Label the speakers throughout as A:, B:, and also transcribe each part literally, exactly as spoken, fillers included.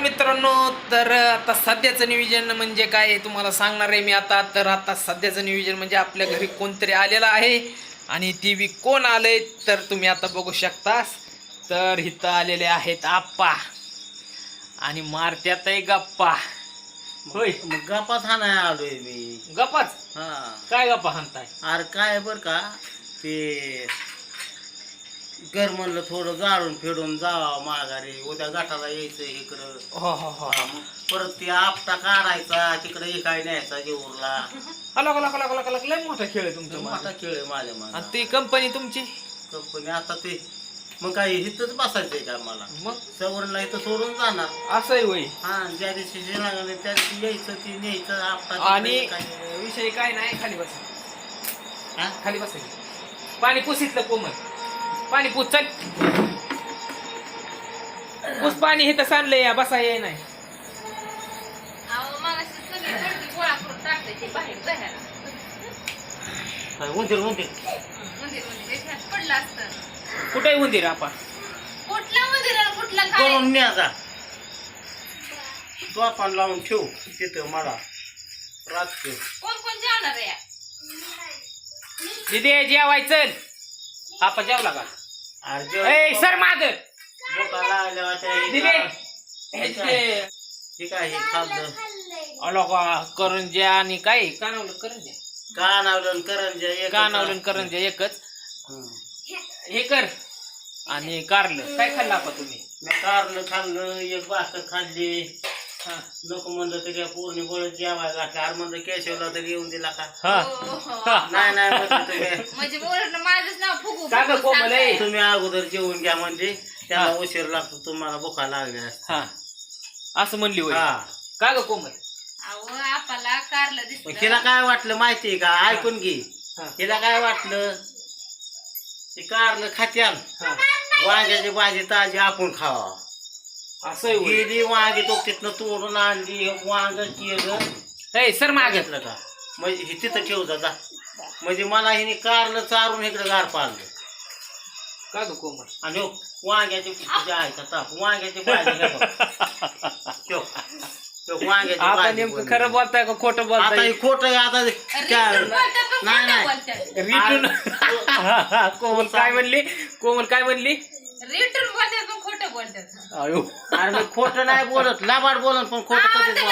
A: मित्रांनो, तर आता सध्याचं नियोजन म्हणजे काय आहे तुम्हाला सांगणार आहे मी आता. तर आता सध्याचं नियोजन म्हणजे आपल्या घरी कोणतरी आलेलं आहे आणि टी व्ही कोण आलंय तर तुम्ही आता बघू शकता. तर इथं आलेले आहेत आप्पा आणि मारत्यात आहे गप्पा. होय,
B: मग गप्पाच हाणाय आलोय मी.
A: गप्पाच?
B: हा,
A: काय गप्पा हाणताय?
B: अरे काय बर का ते घर म्हणलं थोडं जाळून फेडून जावं माघारी, उद्या गटाला यायचं इकडं.
A: हो हो हो.
B: परत ते आपटा काढायचा तिकडे इकाय न्यायचा जेवूरला.
A: अलग अलग अलग अलग अलग लय मोठा खेळ आहे तुमचा.
B: मोठा खेळ आहे माझ्या
A: आणि
B: माझा.
A: ती कंपनी तुमची
B: कंपनी आता ते मग काय इथंच बसायचंय का मला?
A: मग
B: सवरणला इथं सोडून जाणार.
A: असंही होई.
B: हा, ज्या दिवशी जे लागले त्या दिवशी यायचं ती न्यायचं आपटा.
A: आणि विषय काय नाही, खाली बस.
B: हा,
A: खाली बस. पाणी पुसितलं कोमल, पाणी पुस. चल पुस पाणी हे तर सांडलंय या बसा ये नाही.
B: उंदीर उंदीर
A: कुठे उंदीर आपण
B: करून न्यायचा. तो आपण लावून ठेवू तिथं मला रात्री.
A: दिदी जेवाय चल. आपण जेवला का? ए सर माग
B: बोका लागल्या
A: दिदी
B: ठीक आहे. खाल्लं
A: अलोका करंज्या आणि काय कानावलं करंज्या
B: कानावलं करंज्या
A: कानावलं करंज्या एकच हे कर. आणि कारलं काय खाल्लं आपण तुम्ही?
B: मी कारलं खाल्लं, एक भाकर खाल्ली.
A: हा
B: नको म्हणलं तरी पूर्ण बळ जेवाय घातलं. अरे म्हणलं केशवला तरी येऊन दिला का?
A: हा
B: नाही नाही म्हणलं तुम्ही
A: का ग कोमल ए?
B: तुम्ही अगोदर जेवून घ्या म्हणजे त्याला उशीर लागतो, तुम्हाला भुका लागल्या.
A: हा असं म्हणली होय.
B: हा,
A: का ग कोमल?
B: मग तिला काय वाटलं माहितीये का? ऐकून घे.
A: हा.
B: तिला काय वाटलं ते कारलं खात्याल,
A: हा
B: वांग्याची भाजी ताजी आपण खावा.
A: असं होय.
B: गेली वांगी तो तिथनं तोडून आणली, वांग केलं.
A: ए सर माग
B: घेतलं का म्हणजे हे तिथं ठेवता जा. म्हणजे मला हिने कारलं चारून इकडे गार पाडलं.
A: का ग कोमल?
B: आणि हो, वांग्याची भाजी आहे का ताप? वांग्याची भाजी हे बघ. ठेव. ठेव, वांग्याची
A: आता
B: भाजी
A: नेमकं
B: बनवली.
A: खरं बोलताय का खोटं
B: आता
A: बोलताय?
B: हे खोटं आहे. आता त्या- नाही नाही
A: रिटून कोमल काय म्हणली? कोमल काय म्हणली?
C: खोटं बोलतात.
A: अयो
B: अरे मी खोटं नाही बोलत, लाबाड बोलत पण खोटं कधीच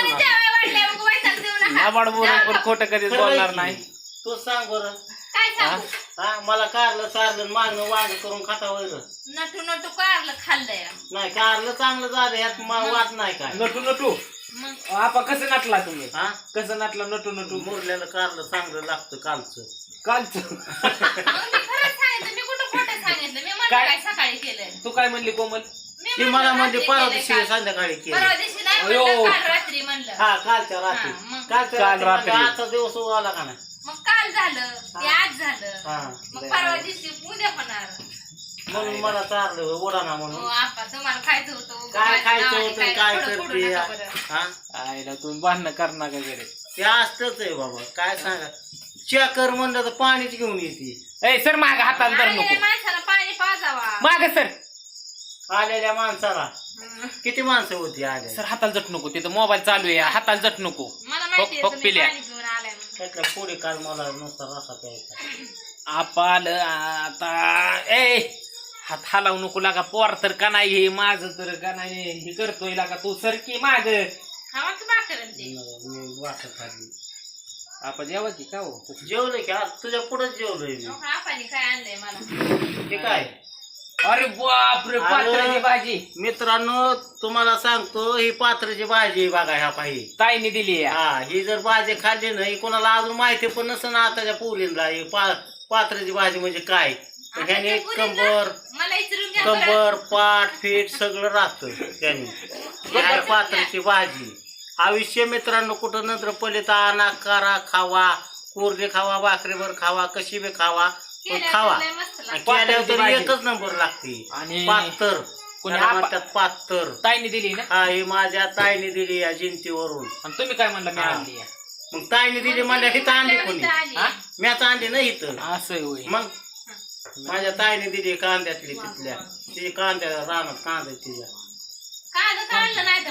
B: बोलणार.
A: लाबाड बोलून पण खोटं कधीच बोलणार नाही.
B: तू सांग बरं.
C: काय सांगू?
B: हा, मला कारलं चारलं मागणं वांग करून खाता वैर
C: नटू नटू कारलं खाल्लंय.
B: नाही. कारलं चांगलं झालं, ह्यात मा- वाट नाही काय.
A: नटू नटू
C: मग
A: आपा कसं नटला तुम्ही?
B: हा,
A: कसं नटला नटू नटू?
B: मुरलेलं कारलं चांगलं लागतं कालचं.
A: कालच
C: मग मी खरंच सांगितलं, मी कुठं खोटं सांगितलं? मी म्हणलं
A: काय?
C: काय सकाळी केलंय.
A: तू काय म्हणली कोमल?
C: मी
B: ती
C: म्हणलं
B: मला म्हणजे
C: रात्री
B: परवा
C: केलंय
B: दिवशी
C: काल.
B: संध्याकाळी केलं.
C: परवा दिवशी नाही
A: अयो.
C: म्हणलं, काल रात्री म्हणलं.
B: हा, कालच्या रात्री.
C: हा, मग.
B: कालच्या
A: काल
B: रात्री
A: रात्री.
B: म्हणजे आजचा दिवस आला का नाही?
C: मग काल झालं, ते आज झालं.
B: हा.
C: मग परवा दिवशी उद्या होणार.
B: म्हणून मला चारलं उडाना
C: हो
B: म्हणून.
C: आपा, तुम्हाला खायचं होतं.
B: काय खायचं
C: नावाने
B: होतं
C: काय
B: काय
C: थोडं फोडू
B: करते?
C: नका बरं.
B: हा,
A: आईला तुम्ही भांडणं करणार का गडे?
B: ते असतच आहे बाबा. काय सांगा, चेकर म्हणलं तर पाणीच घेऊन येते.
A: ए सर माग हाताला धर
C: आलेल्या
A: नको.
C: माणसाला पाणी पाजावा.
A: माग सर.
B: आलेल्या माणसाला
C: हं.
B: किती माणसं होती आल्या?
A: सर हाताला जट नको. तिथं मोबाईल चालू आहे, हाताला जट नको.
C: मला माहिती
A: हो,
C: आहे तुम्ही
A: पिल्या.
C: पाणी पिऊन आलाय म्हणून.
B: त्यातल्या पुढे काल मला नुसता रसा प्यायचा.
A: आपाल आता ए हात हलावू नको लागा. पोर तर का नाही, हे माझं तर का नाही हे करतोय लागा. तू सर की माग.
C: खावा की भाकर आणि ते.
B: मी वाटत खाल्ली.
A: आपण जेवायची का हो?
B: जेवलोय की आज तुझ्या पुढेच जेवलोय मी.
C: अहो, आपाने काय आणलंय मला?
B: हे काय?
A: अरे बापरे, पात्राची भाजी
B: मित्रांनो तुम्हाला सांगतो, ही पात्राची भाजी आहे बघा. ह्या पाहिजे
A: ताईने दिली आहे.
B: हा, ही जर भाजी खाल्ली नाही कोणाला अजून माहिती पण नसेल ना आताच्या पोरींना ही पा पात्राची भाजी म्हणजे काय. तर ह्याने
C: आताच्या पोरींना
B: कंबर
C: मला विचारून घ्या बरं.
B: कंबर पाठ फीट सगळं राहतं त्याने. ही आहे पात्राची भाजी. आयुष्य मित्रांनो कुठं नंतर पलिता आणा करा खावा, कोरडे खावा, भाकरीभर खावा, कशी बी खावा, पण
C: केल्यावर
B: खावा.
C: लय मस्त लागतं.
B: आणि केल्यावर तर
A: भाजी.
B: एकच नंबर लागते.
A: आणि
B: पात्तर
A: कोणी
B: त्याला
A: आपा-
B: म्हणतात पात्तर.
A: ताईने दिली ना.
B: हा, ही माझ्या ताईने दिली या जिंतीवरून.
A: आणि तुम्ही काय म्हणला? मी
B: हा.
A: आणली आहे.
B: मग ताईने दिली म्हणल्या हिथं आणली कोणी?
C: इथं आली.
A: हा?
B: म्याच आणली ना इथं.
A: असं होय.
B: मग माझ्या ताईने दिली कांद्यातली तिथल्या. ती कांद्या रानात कांदा तिच्या.
C: कांदा काढलं नाही तर मग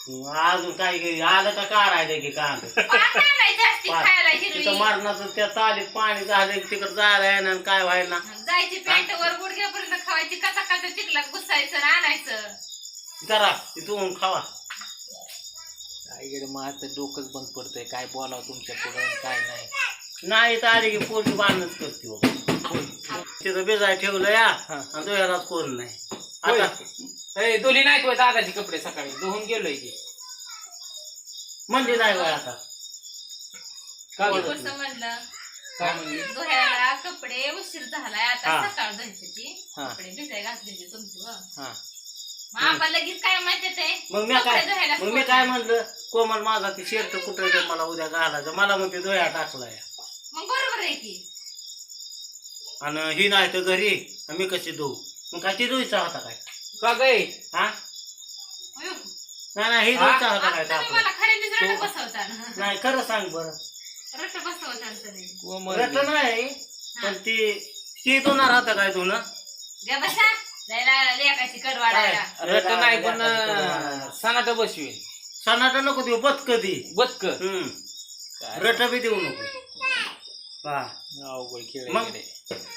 B: अजून काय घरी आलं का काढायचं की कांद
C: पाक आणायची असती खायला हिरवी
B: तिथं मरणाचं त्या तालीत पाणी झालं की तिकडं जायला येणार आणि काय व्हायला
C: जायची पॅन्ट वर गुडघ्यापर्यंत खावायची कसा कसा चिखलात घुसायचं आणि आणायचं
B: जरा तिथून खावा
A: काय गेलं मग आता डोकंच बंद पडतंय काय बोलावं तुमच्या पुढे काय नाही
B: नाही तर आली की पोरगी बांधणच करते हो. तिथं बेजाय ठेवलं या आणि दोयालाच कोण नाही आता
A: ए दोली नाही तो दादाचे कपडे सकाळी धुवून गेलोय की
B: म्हणजे नाही बाय आता
A: काय
C: मी
A: बोलत
C: कसं
A: नाही?
C: म्हणलं
A: काय म्हणली
C: धुयाला कपडे उशीर झालाय आता
B: हा.
C: सकाळ धुवायची
A: हा.
C: कपडे भिजाय घातलेले तुमची व.
A: हा
C: मग आपण लगेच काय माहिती ते
B: मग मी काय मग मी काय म्हणलं कोमल माझा ती शर्ट कुठं ते मला उद्या घालायचं मला म्हणते दोया टाकला या
C: मग बरोबर आहे की
B: आणि ही नाही तर घरी आणि मी कशी धुऊ मग काय ती धुईचा होता काय
A: का गय
B: हा
C: अयो,
B: नाही नाही ही
A: हा?
B: धुईचा होता काय
C: आता तुम्ही
B: टाकला
C: मला खरेदीच रट बसवता ना.
B: नाही खरं सांग बरं
C: रट बसवता तुम्ही
A: कोमल
B: रट नाही पण ती ती धुणार होता काय धुणं
C: गे बसा जायला लेकाची कड वाढायला
A: रट नाही पण सनाट बसवीन
B: सणाटा नको देऊ बत कधी
A: बदक
B: हम्म
A: काय
B: रट बी देऊ नको हा
A: अवघड खेळ
B: मग?
A: आहे.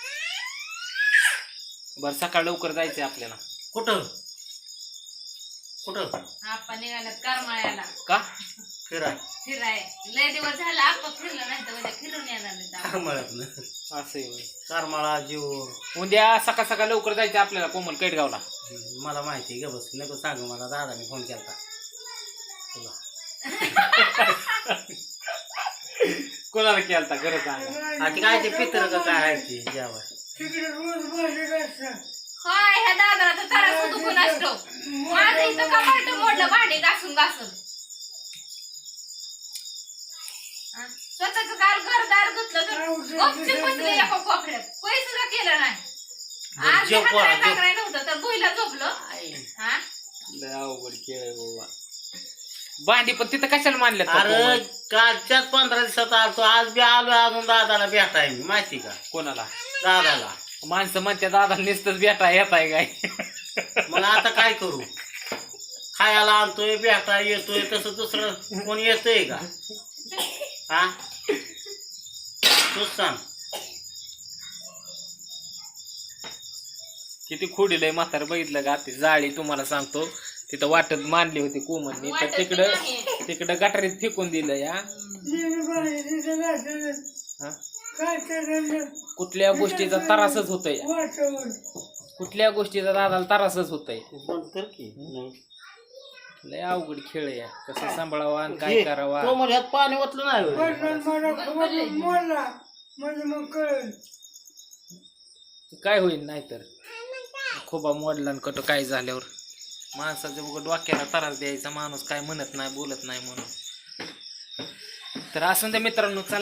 A: बरं सकाळ लवकर जायचंय आपल्याला
B: कुठं कुठं
C: आपण निघाल्यात करमाळ्याला
A: का
B: फिराय
C: फिराय लय दिवस झाला आपण फिरलो नाही तर उद्या फिरून येणार नाही तर.
B: करमाळ्यातनं
A: असं आहे होय.
B: करमाळा जीव
A: उद्या सकाळ सकाळ लवकर जायचं आपल्याला कोमल केटगावला
B: मला माहिती आहे ग बस नको सांग मला दादाने फोन केला तुला
A: कोणाला केलता गरज सांगा
B: आता काय ते पित्र का काय आहे ते जेवाय
C: होय ह्या दादाला तर त्रास दुखून असतो माझं इथं कपाट मोडलं भांडी घासून घासून हा? स्वतःच कार घरदार धुतलं तर गपचूप बसले एका कोपऱ्यात काही सुद्धा केलं नाही आज
B: जेव
C: हात
B: पोरा,
C: पाय
B: जेव.
C: टाकायला नव्हतं तर भुईला झोपलं हा
A: लय अवघड खेळ आहे बाबा भांडी पण तिथं कशाला मानल्यात का
B: अरे
A: कोमल?
B: कालच्याच पंधरा दिवसात आलतो आज बी आलो अजून दादाला भेटाय मी माहिती का
A: कोणाला
B: दादाला
A: माणसं म्हणते दादा नुसतंच बेटा येताय काय
B: मग आता काय करू खायला आणतोय भेटा येतोय तसं दुसरं कोणी येतंय का हा तूच सांग
A: किती खोडीलंय म्हातार बघितलं का ती जाळी तुम्हाला सांगतो तिथं वाटत मानली होती कोमलनी तर
C: वाटत
A: तिकडं
C: नाही.
A: तिकडं गटारीत फेकून दिलं या हा? कुठल्या गोष्टीचा त्रासच होतोय कुठल्या गोष्टीचा दादाला त्रासच होतोय
B: बंद कर की
A: लय अवघड खेळ आहे कसं सांभाळावा आणि काय करावा
B: तो ह्यात पाणी ओतलं नाही होय.
A: काय होईल नाहीतर खोबा मोडला आणि कटो काय झाल्यावर माणसाच्या बघ डोक्याला त्रास द्यायचा माणूस काय म्हणत नाही बोलत नाही म्हणून तर असं त्या मित्रांनो चला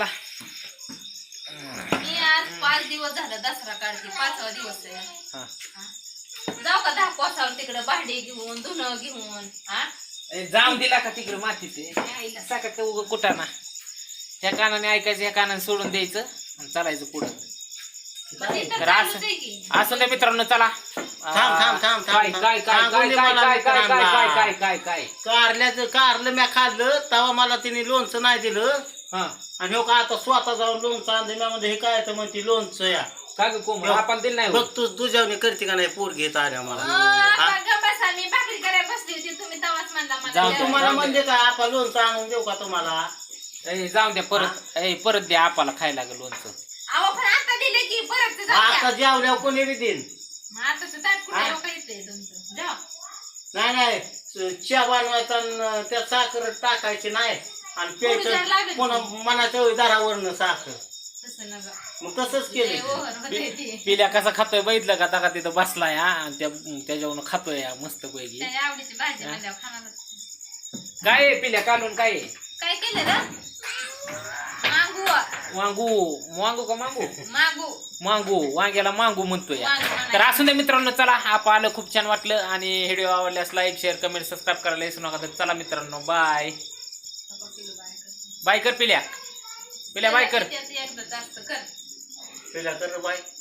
C: मी आज पाच दिवस झालं दसरा काढते पाचवा दिवस आहे
A: हा
C: हा? जाऊ का दहा कोसावर तिकडे भांडी घेऊन धुणं घेऊन हा
A: ए, जाऊन दिला का तिकडे मातीचे
C: आईला.
A: सकाळ उगं कुठं ना ह्या कानाने ऐकायचं ह्या कानाने सोडून द्यायचं आणि चालायचं पुढं
C: मग तिथं
A: तर
C: चालूच
A: असं
C: आहे की.
A: असं त्या मित्रांनो चला
B: थांब, थांब, थांब,
A: काय
B: थांब.
A: काय काय
B: सांगून
A: काय
B: दे
A: काय
B: मला
A: काय काय काय
B: मित्रांना.
A: काय काय काय
B: कारल्याचं कारलं म्या खाल्लं तेव्हा मला तिने लोणचं नाही दिलं
A: हा
B: आणि हो का आता स्वतः जाऊन लोणचं आणलं म्या म्हणजे हे काय तर म्हणते लोणचं या
A: काय ग कोमल आपण दिलं नाही
B: बघ
A: होत.
B: तू तुझ्यावणी करते का नाही पोर घेत आल्या मला
C: अं,
B: हा?
C: आता गप्प बसा, मी भाकरी करायला बसली होती तुम्ही तवाच म्हणला मला
A: जाऊ
C: जेवायला.
B: तुम्हाला म्हणजे काय आपण लोणचं आणून देऊ का तुम्हाला
A: ए, जाऊन द्या परत ए परत द्या आपाला खायला लागलं लोणचं
C: अहो पण आता दिले की परत ते जाऊ
B: आता
C: द्या.
B: जेवल्यावर कोणी बी देईन
C: मग आता ते ताट कुठे
B: हा?
C: लोकं येतंय तुमचं जा.
B: नाही नाही चहा बनवायचा आणि त्यात साखर टाकायची नाही आणि
C: पुढं जर
B: प्यायचं
C: लागेल.
B: पुन्हा मनाच्या दारावरनं साखर
C: तसं नका.
B: मग तसंच
C: लय
B: केलं
C: ओव्हर होतंय ते.
A: पिल्या कसा खातोय बघितलं का आता का तिथं बसलाय हा आणि त्या त्याच्यावरून खातोय हा, मस्त पैकी
C: त्याच्या आवडीची भाजी म्हणल्यावर खाणार.
A: काय आहे पिल्या काढून काय आहे?
C: काय केलं रे मागू
A: वांगू वांगू का मांगू
C: मागू
A: मांगू वांग्याला मांगू म्हणतोय
C: वांगू म्हणायचं.
A: तर असू दे मित्रांनो चला आप आलं खूप छान वाटलं आणि व्हिडिओ आवडल्यास लाईक शेअर कमेंट सबस्क्राईब करायला विसरू नका तर चला मित्रांनो बाय बाय कर पिल्या पिल्या बाय कर
C: एकदा जास्त कर
B: तिला कर बाय